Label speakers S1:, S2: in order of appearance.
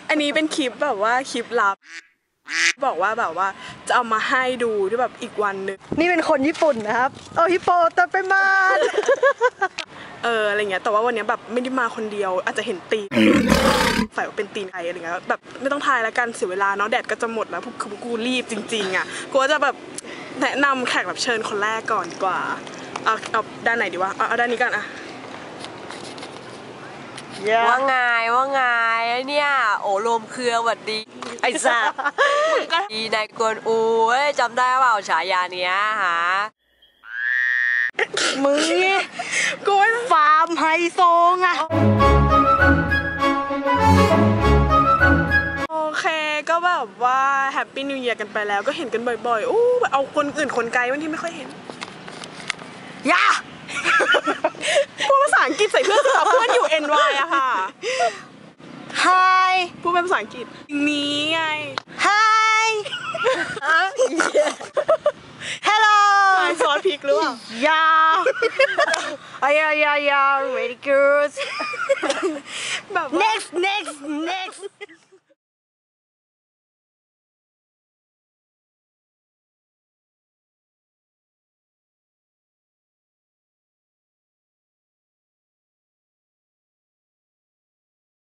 S1: อันนี้เป็นคลิปแบบว่าคลิปลับบอกว่าแบบว่าจะเอามาให้ดูที่แบบอีกวันนึง
S2: นี่เป็นคนญี่ปุ่นนะครับเอาฮิปโปตไปมา
S1: อะไรเงี้ยแต่ว่าวันนี้แบบไม่ได้มาคนเดียวอาจจะเห็นตีนใส่ว่าเป็นตีนไทยอะไรเงี้ยแบบไม่ต้องทายแล้วกันเสียเวลาเนาะแดดก็จะหมดแล้วกูรีบจริงๆอ่ะกูจะแบบแนะนำแขกรับเชิญคนแรกก่อนดีกว่าเอาด้านไหนดีวะเอาด้านนี้กันอะ
S3: ว่าไงเนี่ยโอ้ลมเครือหวัดดีไอ้สัสดีนายกวนอูจำได้เปล่าฉายาเนี้ยฮะ
S2: มึงเนี่ย
S1: กู
S2: ฟาร์มไฮโซไง
S1: โอเคก็แบบว่าแฮปปี้นิวเยียร์กันไปแล้วก็เห็นกันบ่อยๆอู้เอาคนอื่นคนไกลบางทีไม่ค่อยเห็น
S2: ย่า
S1: พูดภาษาอังกฤษใส่เพื่อนเพื่อนอยู่ NY อะค่ะ
S2: Hi
S1: พูดเป็นภาษาอังกฤษนี้ไง
S2: Hi Hello
S1: ซอสพริกหรือเปล่า
S2: yeah very good
S1: แบบ
S2: next